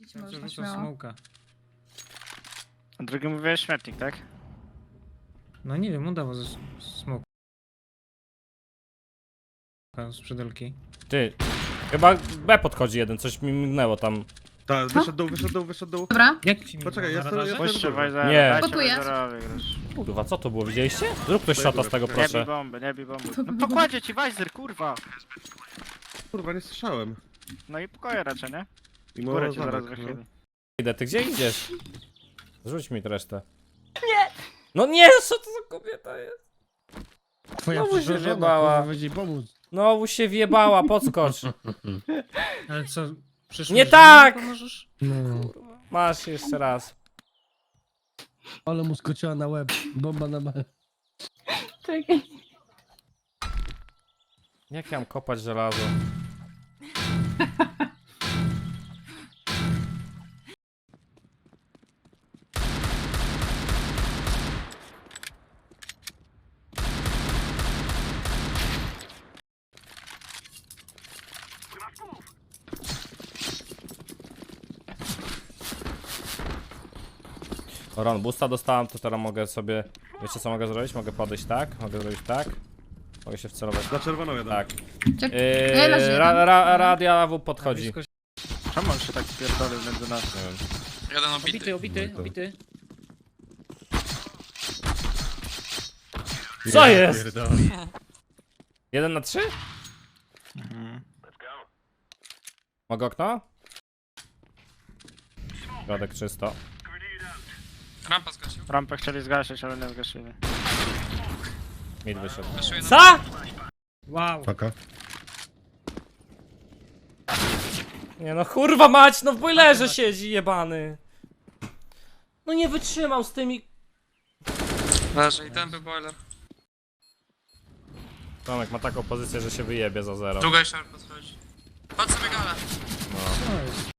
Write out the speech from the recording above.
Idź Ja można rzucam śmiało. smoka. A drugi mówiłeś śmietnik, tak? No nie wiem, udało ze smoka. Z przydelki. Ty, chyba B podchodzi jeden, coś mi mignęło tam. Tak, wyszedł dół. Dobra, Jak ci mi Poczekaj, na ja radarze? sobie- Puśćcie dobra. Wajzera, Nie. dajcie Gotuję. Wajzerowi grać. Kurwa, co to było, widzieliście? Zrób ktoś szata z tego, Nie proszę. bij bomby, nie bij bomby. No pokładzie ci Wajzer, kurwa! Kurwa, nie słyszałem. No i pokoje raczej, nie? I Górę ci zamek, zaraz no. wychyli. Idę, ty gdzie idziesz? Rzuć mi resztę. Nie! No nie, co to za kobieta jest? Twoja Znowu się przyszła żona, wjebała. kurwa, weź jej pomóc. Znowu się wjebała, podskocz. Ale co? Przyszłeś, Nie że tak! mi pomożesz? No, Masz jeszcze raz. ale mu skoczyła na łeb. Bomba na B. czekaj. Jak ja mam kopać żelazo? Ron, boosta dostałem, to teraz mogę sobie... Wiecie co mogę zrobić? Mogę podejść tak, mogę zrobić tak. Mogę się wcelować. Za czerwoną jeden. Tak. Czekaj. Nie, leży jeden. Radia AW podchodzi. Blisko się- Czemu on się tak pierdolił między nas? Nie wiem. Jeden obity. Obity. Co jest? 1 na 3? Mhm. Mogę okno? Środek czysto. Rampa zgasił. Rampę chcieli zgasić, ale nie zgasili. Mid wyszedł. Weszł jeden. Co? Wow. Faka. Nie no kurwa mać, no w boilerze siedzi jebany. No nie wytrzymał z tymi... Leży i ten był boiler. Tomek ma taką pozycję, że się wyjebie za 0. Druga jeszcze podchodzi. Patrz sobie galę. Co jest?